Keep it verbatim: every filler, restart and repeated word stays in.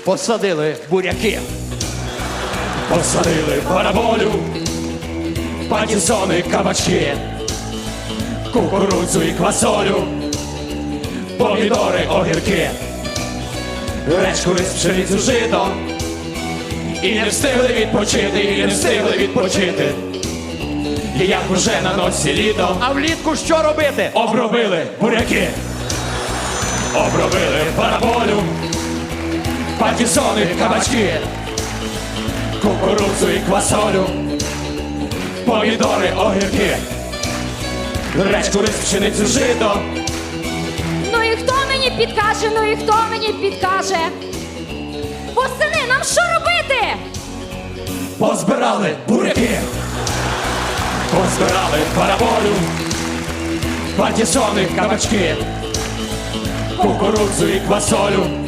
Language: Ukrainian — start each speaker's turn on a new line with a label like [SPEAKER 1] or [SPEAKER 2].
[SPEAKER 1] посадили буряки.
[SPEAKER 2] Посадили параболю, патісони, кабачки, кукурудзу і квасолю, помідори, огірки, речку, рис, пшеницю, жито. І не встигли відпочити, і не встигли відпочити. І як уже на носі літо,
[SPEAKER 1] А влітку що робити?
[SPEAKER 2] обробили буряки, обробили параболю, патісони, кабачки, кукурудзу і квасолю, помідори, огірки, речку, рис, пшеницю, жито.
[SPEAKER 3] Ну і хто мені підкаже, ну і хто мені підкаже? Восени, нам що робити?
[SPEAKER 2] Позбирали буряки, позбирали параболю, патісони, кабачки, кукурудзу і квасолю,